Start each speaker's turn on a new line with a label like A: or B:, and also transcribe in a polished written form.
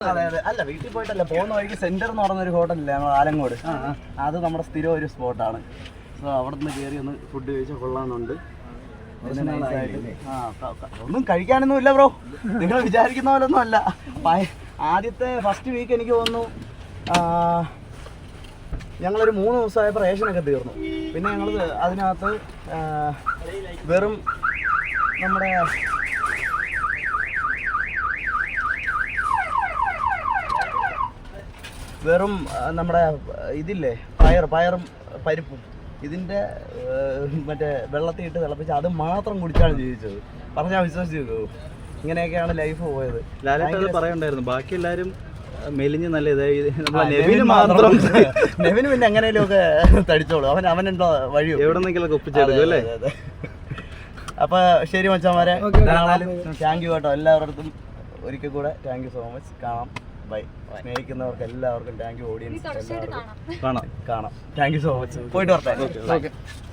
A: അതെ അതെ. അല്ല വീട്ടിൽ പോയിട്ടല്ല, പോകുന്ന വഴിക്ക് സെന്റർ എന്ന് പറഞ്ഞൊരു ഹോട്ടലില്ലേ നമ്മൾ ആലങ്ങോട്, അത് നമ്മുടെ സ്ഥിരം ഒരു സ്പോട്ടാണ്. സോ അവിടെ നിന്ന് കയറി ഒന്ന് ഫുഡ് കഴിച്ചാൽ കൊള്ളാമെന്നുണ്ട്. ഒന്നും കഴിക്കാനൊന്നും ഇല്ല ബ്രോ, നിങ്ങൾ വിചാരിക്കുന്ന പോലെ ഒന്നും അല്ല. ആദ്യത്തെ ഫസ്റ്റ് വീക്ക് എനിക്ക് തോന്നുന്നു ഞങ്ങളൊരു 3 ദിവസമായപ്പോൾ റേഷനൊക്കെ തീർന്നു. പിന്നെ ഞങ്ങൾ അതിനകത്ത് വെറും നമ്മുടെ ഇതില്ലേ പയറും പരിപ്പും ഇതിൻ്റെ മറ്റേ വെള്ളത്തിൽ ഇട്ട് തിളപ്പിച്ച് അത് മാത്രം കുടിച്ചാണ് ജീവിച്ചത്. പറഞ്ഞാൽ വിശ്വസിച്ച് നോക്കൂ. ഇങ്ങനെയൊക്കെയാണ് ലൈഫ് പോയത്.
B: ലാലേട്ടൻ പറയണ്ടായിരുന്നു ബാക്കി എല്ലാവരും മെലിഞ്ഞ് നല്ല നെവിന്
A: പിന്നെ എങ്ങനെയും ഒക്കെ തടിച്ചോളൂ. അവനുണ്ടോ വഴി
B: എവിടെന്നെങ്കിലൊക്കെ ഒപ്പിച്ചെടുക്കും അല്ലേ.
A: അപ്പൊ ശരി മച്ചാന്മാരെ, താങ്ക് യു കേട്ടോ എല്ലാവർക്കും. ഒരിക്കൽ കൂടെ താങ്ക് യു സോ മച്ച്. കാണാം, ബൈ. സ്നേഹിക്കുന്നവർക്ക് എല്ലാവർക്കും താങ്ക് യു. ഓഡിയൻസ് എല്ലാവർക്കും കാണാം. Thank you so much. പോയിട്ട് വരട്ടെ.